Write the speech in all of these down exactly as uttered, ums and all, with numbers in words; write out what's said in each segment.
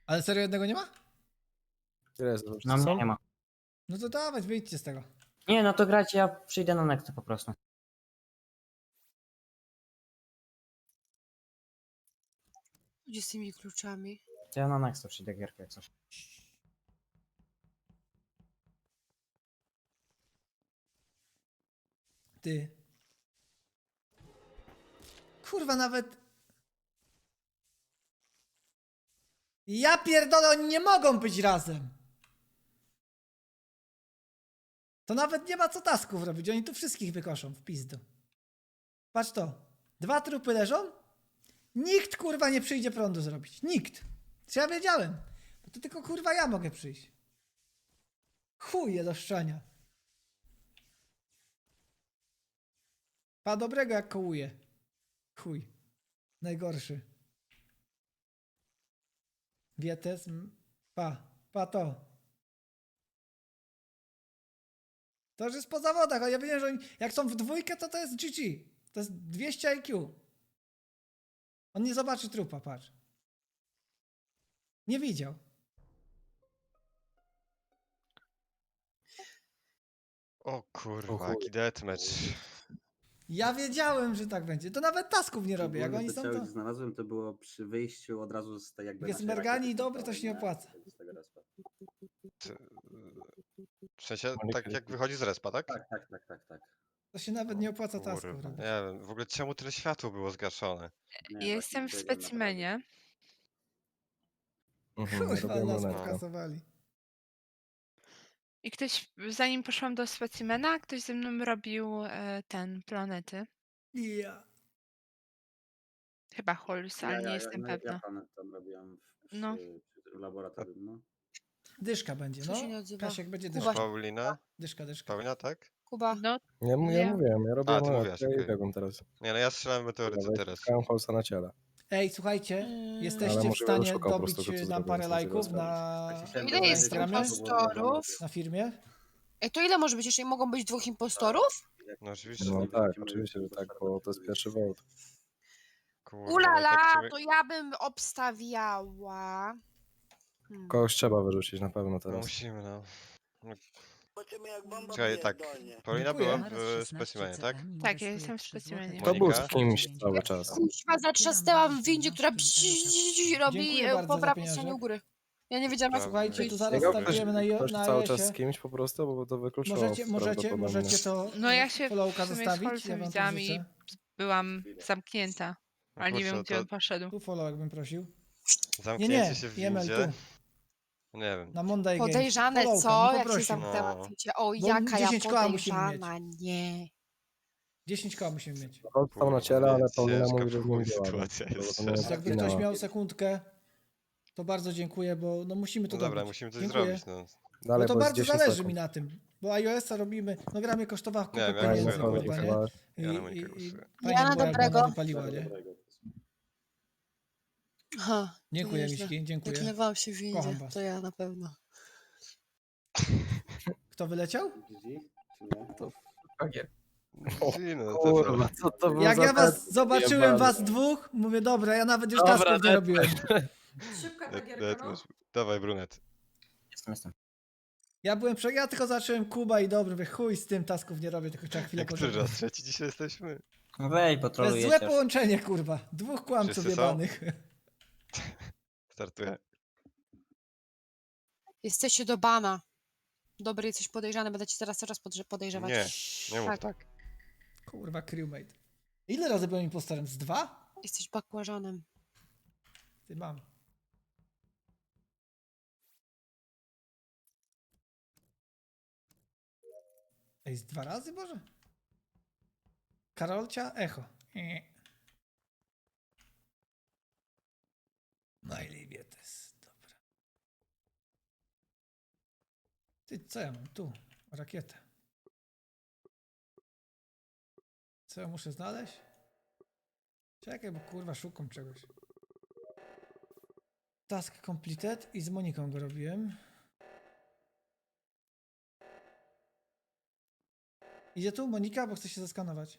Ale serio jednego nie ma? Ile jest? No mnie nie ma. No to dawać, wyjdźcie z tego. Nie, no to grać, ja przyjdę na Nexta po prostu. Gdzie z tymi kluczami? To ja na Nexta przyjdę gierkę jak coś. Ty. Kurwa, nawet... Ja pierdolę, oni nie mogą być razem. To nawet nie ma co tasków robić, oni tu wszystkich wykoszą w pizdu. Patrz to. Dwa trupy leżą. Nikt kurwa nie przyjdzie prądu zrobić. Nikt. Czy ja wiedziałem? Bo to tylko kurwa ja mogę przyjść. Chuje do szczania. Pa dobrego jak kołuje. Chuj. Najgorszy. Wietes. m, Pa. Pa to. To już jest po zawodach, ale ja wiem, że oni, jak są w dwójkę, to to jest G G. To jest dwieście I Q. On nie zobaczy trupa, patrz. Nie widział. O O kurwa, chuj. jaki deathmatch. Ja wiedziałem, że tak będzie. To nawet tasków nie robię. Jak Ogólnie oni to są, ciało, to... gdzie znalazłem, to było przy wyjściu od razu z tej jakby Jak jest naszej Mergani rakiety i dobry, to się nie centralnej, opłaca. z tego respa. Ty- W sensie, Monika tak jest- jak wychodzi z respa, tak? Tak, tak, tak, tak, tak. To się nawet nie opłaca tasków Kurwa, robić. nie wiem, w ogóle czemu tyle światło było zgaszone? Nie, Ja właśnie jestem w biegłem naprawdę. specimenie. Mhm, ja Kurwa, robiłem nas lunetkę. pokasowali. I ktoś, zanim poszłam do specimena, ktoś ze mną robił e, ten, planety. Ja. Chyba Holmes, Ja, ale ja, nie ja, jestem no, ja pewna. planet tam robiłem w, przy, No. przy tym laboratorium, no. Dyszka będzie, Co no. się nie odzywa? Kasiek będzie Kuba. dyszka. Paulina? Dyszka, dyszka. Paulina, tak? Kuba. No, Ja, mu- ja Nie. mówiłem, ja robiłem ty mówiłaś, lunetkę i okej. biegłem teraz. Nie no, ja strzelam meteoryty Ja teraz. Szukałem Holsa na ciele. Ej, słuchajcie, Mm. jesteście Ale w może stanie szukał po prostu dobić tego, co nam zrobiłem, parę co chciałem lajków sprawdzić. na, Tak się chciałem Ile na jest dowiedzieć, Instagramie, bo było wiadomo, impostorów? na firmie. Ej, to ile może być? Jeszcze mogą być dwóch impostorów? jak- No oczywiście. No nie tak, wrócimy oczywiście, że do tak, czwartego bo to jest tygodnia. pierwszy vote. Kurwa, no Ulala, tak sobie- to ja bym obstawiała. Hmm. Kogoś trzeba wyrzucić na pewno No teraz. musimy, no. Zobaczymy jak bomba Czekaj, tak. pierdolnie. Paulina Dziękuję. była w specimenie, tak? Tak, ja jestem w specimenie. To był Monika? z kimś cały czas. Kuźwa, zatrzasnęłam w windzie, która psi- robi Dziękuję e, bardzo po za prawej pieniążek. stronie u góry. Ja nie wiedziałam, jak Dobra. Słuchajcie, tu zaraz Biegał ktoś, startujemy na, jo- ktoś na cały czas iOSie. z kimś po prostu, bo to wykluczono Możecie, możecie, prawdopodobnie. możecie to No ja się followka w sumie z zostawić. Holcem Ja wam to widziałam i życzę. byłam zamknięta. No Ale nie wiem, kurczę, gdzie to on poszedł. Tu follow bym prosił. Nie, zamknięcie nie, się w Jemel, windzie. tu. Nie wiem. Na Monday Games. Podejrzane Followka, co? bym Jak się poprosił. zamknęła No. w windzie. O, Bo jaka ja dziesięć koła musimy podejrzana, nie. dziesięć koła musimy mieć. Holt stał na ciele, ale Kurwa, Paulina ciężka mówi, że z w nim chuj była. sytuacja więc jest, to nie szczerze. Jakby zginęła. ktoś miał sekundkę, to bardzo dziękuję, bo no musimy to No dobra, dobić. musimy coś Dziękuję. zrobić, no. Dalej, Bo to bo jest bardzo dziesięć zależy sekund. mi na tym, bo iOS-a robimy, no gra mnie kosztowała kupę Nie wiem, ja pieniędzy, głosuję na kurwa, Monikę. nie? chyba. I, Ja na i, Monikę i głosuję. fajnie Ja na było, jak dobrego. ona wypaliła, nie? Aha, to Dziękuję, nieźle. Miśki, dziękuję. Zaklewałam się w Kocham windzie, was. to ja na pewno. Kto wyleciał? G G? Czy nie? Czyli no, to, Kurwa, co to był Jak za ja was test zobaczyłem, jebany. was dwóch, mówię, dobra, ja nawet już Dobra, tasków nie dead- robiłem. Szybka ta Dead- gierka, no. deathmatch. Dawaj, brunet. Jestem, jestem. Ja byłem, prze... ja tylko zacząłem Kuba i dobry, mówię, chuj z tym, tasków nie robię, tylko trzeba chwilę Jak który poczekać. raz? Trzeci dzisiaj jesteśmy? No Wej, To jest potrolujecie. złe połączenie, kurwa. Dwóch kłamców Wszyscy są? jebanych. Startuję. Jesteście do bana. Dobry, jesteś podejrzany, będę cię teraz coraz podrze- podejrzewać. Nie, nie mów Tak. tak. Kurwa, crewmate. Ile razy byłem impostorem? Z dwa? Jesteś bakłażanem. Ty mam. Ej, z dwa razy może? Karolcia, echo. Nie. Najlibietes, dobra. Ty, co ja mam? Tu, rakietę. Co ja muszę znaleźć? Czekaj, bo kurwa szukam czegoś. Task completed i z Moniką go robiłem. Idzie tu Monika, bo chce się zeskanować.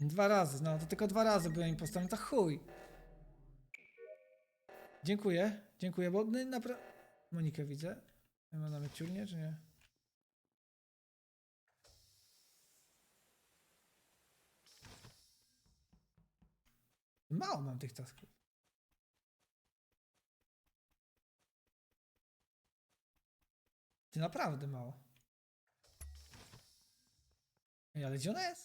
Dwa razy, no to tylko dwa razy byłem impostorem, to chuj. Dziękuję, dziękuję, bo no, napra... Monikę widzę. Ma nawet ciurnie, czy nie? Mało mam tych tasków. Ty naprawdę mało. Ej, ale gdzie ona jest?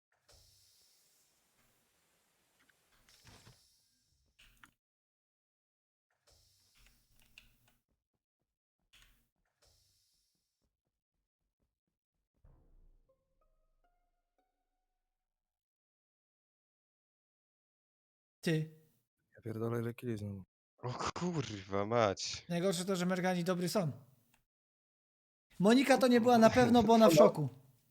Ty. Ja pierdolę ile kili znowu. O kurwa mać. Najgorsze to, że Mergani dobry są. Monika to nie była na pewno, bo ona w szoku.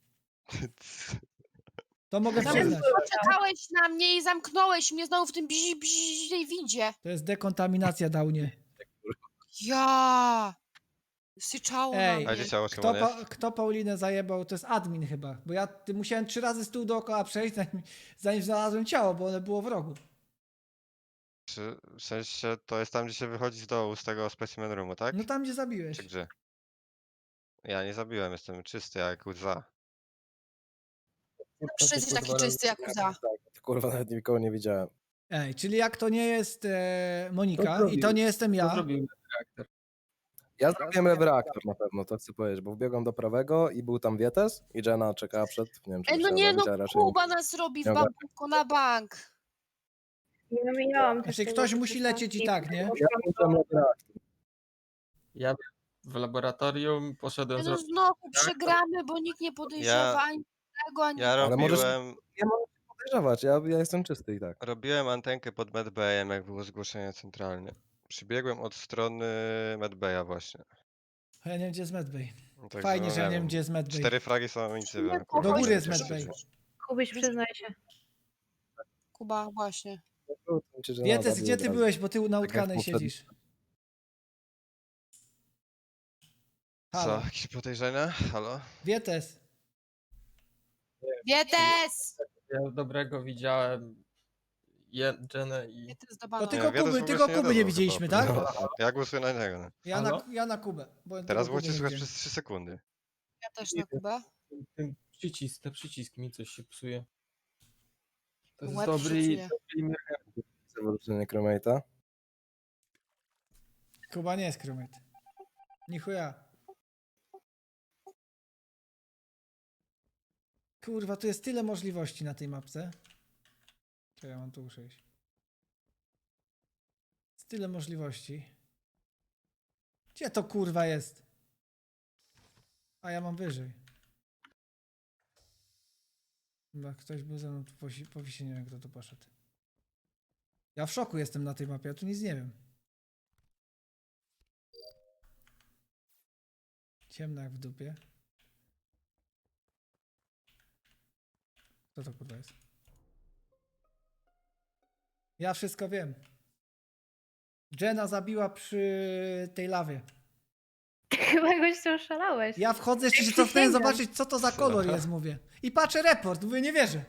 To mogę Nawet przyznać. poczekałeś na mnie i zamknąłeś mnie znowu w tym bzi, bzi, tej windzie. To jest dekontaminacja, Downie. Ja. Syczało Ej, na A mnie. gdzie ciało Kto, Szymon pa, jest? kto Paulinę zajebał, to jest admin chyba. Bo ja ty, musiałem trzy razy stół dookoła przejść, zanim, zanim znalazłem ciało, bo ono było w rogu. Czy, w sensie to jest tam, gdzie się wychodzi z dołu z tego specimen roomu, tak? No tam, gdzie zabiłeś. Czy gdzie? Ja nie zabiłem, jestem czysty jak łza. Zawsze jesteś taki czysty jak łza. Kurwa, nawet nikogo nie widziałem. Ej, czyli jak to nie jest e, Monika To i to nie jestem To ja, zrobił reaktor. Ja zrobiłem lewy reaktor na pewno, to chcę powiedzieć, bo wbiegłem do prawego i był tam Wietes i Jenna czekała przed, nie wiem czy Ej, no musiała nie zabić, no, ale raczej nie. Kuba nas robi w Nie ogarnę. banku na bank. Nie wymieniałam też znaczy tego, ktoś że musi to lecieć i tak, nie? Ja wziąłem lewy reaktor. Ja w laboratorium poszedłem No zrobić. znowu przegramy, bo nikt nie podejrzewa Ja- ani tego, ani Ja Ale możesz- robiłem, Nie mogę się podejrzewać, ja, ja jestem czysty i tak. robiłem antenkę pod medbayem, jak było zgłoszenie centralnie. Przybiegłem od strony medbaya właśnie. Ja nie wiem, gdzie jest Medbay. No także Fajnie, no że ja nie nie wiem, wiem. gdzie jest Medbay. Cztery fragi są nic nie Nie, wiem. do kurwa, góry gdzie jest się medbay. dzieje. Kubyś, przyznaj się. Kuba, właśnie. Wietes, gdzie ty byłeś, bo ty na Tak jak utkanej poprzednio. siedzisz. Co, Halo. jakieś podejrzenia? Halo? Wietes. Wietes! Ja dobrego widziałem Je- Jenę i. Wietes do To bana. tylko Nie, Wietes Kuby, w ogóle tylko się Kuby nie nie odezwał widzieliśmy, chyba. tak? No, ja głosuję na niego. No. Ja na, Halo? ja na Kubę. Bo Teraz tylko Kuby możecie nie słuchać widziałem. przez trzy sekundy. Ja też na Kubę. Ten przycisk, te przycisk mi coś się psuje. To jest Łeb dobry i przycuje. dobry Zawrócenie Chromate'a. Kuba nie jest krumyt. Nichuja. Kurwa, tu jest tyle możliwości na tej mapce. Czy ja mam tu usiąść? Jest tyle możliwości. Gdzie to kurwa jest? A ja mam wyżej. Chyba ktoś był ze mną tu posi- powisi, nie wiem kto tu poszedł. Ja w szoku jestem na tej mapie, ja tu nic nie wiem. Ciemno jak w dupie. Co to kurwa jest? Ja wszystko wiem. Jenna zabiła przy tej lawie. Chyba goś oszalałeś. Ja wchodzę, jeszcze się Przysięgam. cofnąłem zobaczyć, co to za kolor jest, mówię. I patrzę report, mówię, nie wierzę.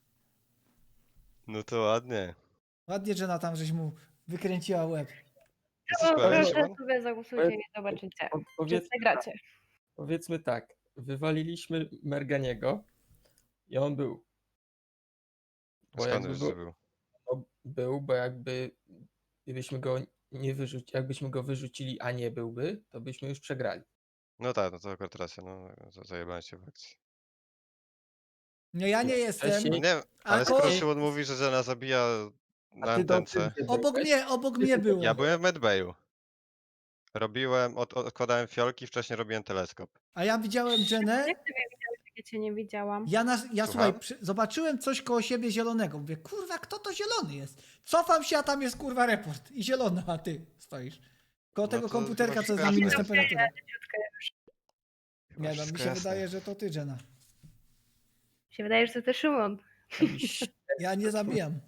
No to ładnie. Ładnie Jenna tam, żeś mu wykręciła łeb. Jesteś O, pewien, proszę Szymon? sobie zagłosujcie i zobaczycie. Po, Czy powiedz, przegracie. powiedzmy tak, wywaliliśmy Merganiego i on był. Bo Skąd jakby wiesz, był, że był? no, był, bo jakby gdybyśmy go nie wyrzucili, jakbyśmy go wyrzucili, a nie byłby, to byśmy już przegrali. No tak, no to akurat racja, no za- zajebałem się w akcji. Nie, ja nie jestem. Wcześniej- No nie, ale Alko- skoro Szymon mówi, że Żena zabija na A ty do antence. gdzie Obok byłeś? mnie, obok mnie było. Ja byłem w medbayu. Robiłem, od, odkładałem fiolki, wcześniej robiłem teleskop. A ja widziałem Jennę. Jak ty mnie widziałeś, jak ja cię nie widziałam? Ja, na, ja Słucham? słuchaj, przy, zobaczyłem coś koło siebie zielonego. Mówię, kurwa, kto to zielony jest? Cofam się, a tam jest kurwa report. I zielona, a ty stoisz. Koło No tego to komputerka, chyba co jest wszystko na minus jasne. temperaturę. Chyba Nie no, mi wszystko się jasne. wydaje, że to ty, Jenna. Mi się wydaje, że to też Szymon. Ja nie zabijam.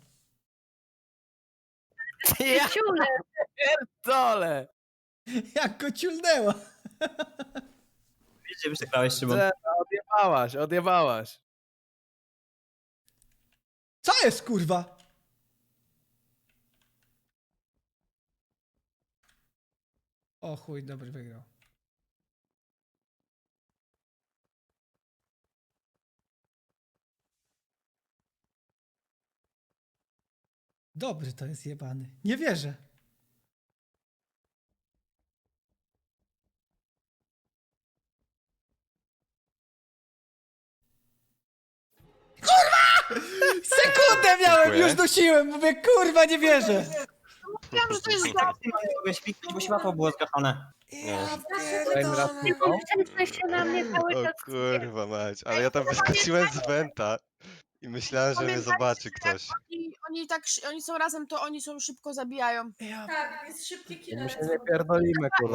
Ja Ciule, dole! Jak go ciulnęła. Wiecie, przegrałeś, Szymon. Jenna, odjebałaś, odjebałaś. Co jest, kurwa? O chuj, dobry wygrał. Dobry to jest jebany. Nie wierzę. Kurwa! Sekundę miałem, Dziękuję. już dusiłem. Mówię, kurwa, nie wierzę. Wiem, że to jest Tak, ty mogłeś kliknąć, bo światło było zgaszone. Ja Kolejny raz pierdolę. tylko. Często się na mnie cały O czas kurwa mać, ale ja tam wyskoczyłem z wenta i myślałem, że mnie Pamiętajcie, zobaczy że ktoś. Oni, oni tak, szy- oni są razem, to oni są szybko zabijają. Ja My się nie pierdolimy, kurwa.